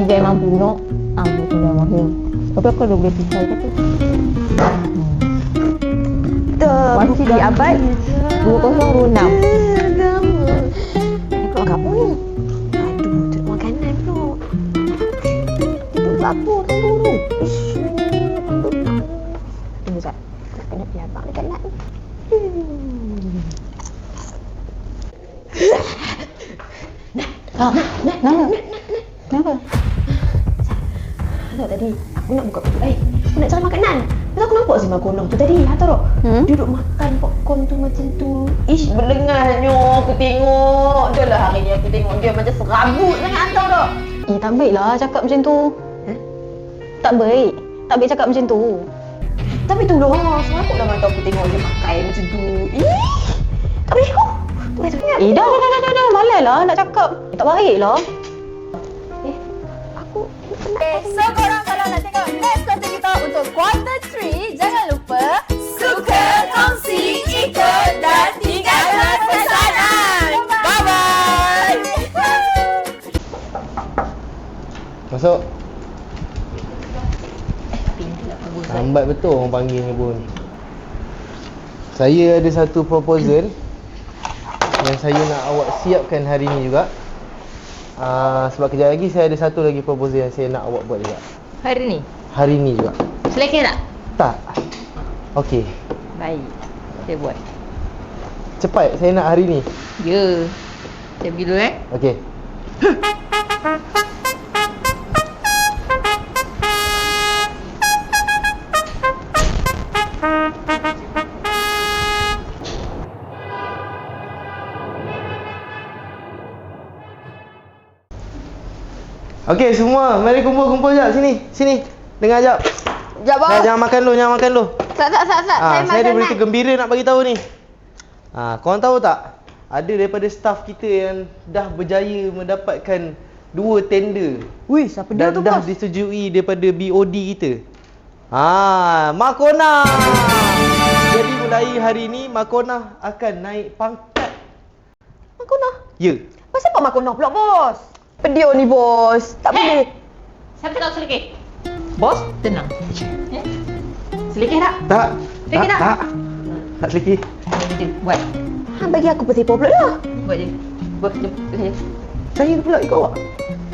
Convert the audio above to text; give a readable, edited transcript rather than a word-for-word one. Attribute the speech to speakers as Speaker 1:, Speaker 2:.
Speaker 1: Dia mampu nak. Aku dah mahir. Tapi aku dah boleh pisau ke tu. Masih di abad 2006.
Speaker 2: Keluar kamu ni. Aduh, tu makanan pula.
Speaker 1: Itu apa tu?
Speaker 2: Ish. Tunggu sekejap. Tak kena pergi abang dekat nak ni.
Speaker 1: Nama? Kenapa?
Speaker 2: Tak tadi aku nak buka pintu. Aku nak cari makanan. Lepas aku nampak si Makonong tu tadi. Tahu tak? Duduk makan popcorn tu macam tu. Ish, berlengarnya aku tengok. Dah lah hari ni aku tengok dia macam serabut sangat tahu tak?
Speaker 1: Tak baiklah cakap macam tu. Tak baik. Tak baik cakap macam tu.
Speaker 2: Tapi tu lah, serabut lah mata aku tengok dia makan macam tu. Tak boleh aku.
Speaker 1: Dah. Malas lah nak cakap. Tak baik lah.
Speaker 2: Aku penat.
Speaker 3: So korang kalau nak tengok next konten kita untuk quarter 3, jangan lupa suka, kongsi, ikut dan tinggalkan pesanan. Bye-bye.
Speaker 4: Masuk. Lambat betul orang panggilnya pun. Saya ada satu proposal yang saya nak awak siapkan hari ni juga. Sebab kejap lagi saya ada satu lagi proposal yang saya nak awak buat juga.
Speaker 1: Hari ni?
Speaker 4: Hari ni juga.
Speaker 1: Selekeh tak?
Speaker 4: Tak. Okey.
Speaker 1: Baik. Saya buat.
Speaker 4: Cepat, saya nak hari ni.
Speaker 1: Ya. Saya pergi dulu
Speaker 4: Okey. Okey semua, mari kumpul-kumpul jap sini. Sini. Dengar jap.
Speaker 2: Sekejap bos.
Speaker 4: Jangan makan dulu, jangan makan dulu.
Speaker 2: Tak. Saya
Speaker 4: Saya ada
Speaker 2: makan
Speaker 4: berita gembira nak bagi tahu ni. Korang tahu tak? Ada daripada staff kita yang dah berjaya mendapatkan 2 tender.
Speaker 2: Wih, siapa dia
Speaker 4: Dan
Speaker 2: tu
Speaker 4: dah
Speaker 2: bos?
Speaker 4: disetujui daripada BOD kita. Makona. Jadi mulai hari ni Makona akan naik pangkat.
Speaker 2: Makona?
Speaker 4: Ya.
Speaker 2: Pasal apa Makona pula bos? Pedio ni bos. Tak boleh.
Speaker 1: Siapa cakap selekeh?
Speaker 2: Bos?
Speaker 1: Tenang.
Speaker 2: Selekeh tak?
Speaker 4: Tak.
Speaker 2: Selekeh tak?
Speaker 4: Tak selekeh.
Speaker 1: Buat.
Speaker 2: Bagi aku petipu pula lah.
Speaker 1: Buat je. Buat je.
Speaker 4: Saya pula ikut awak.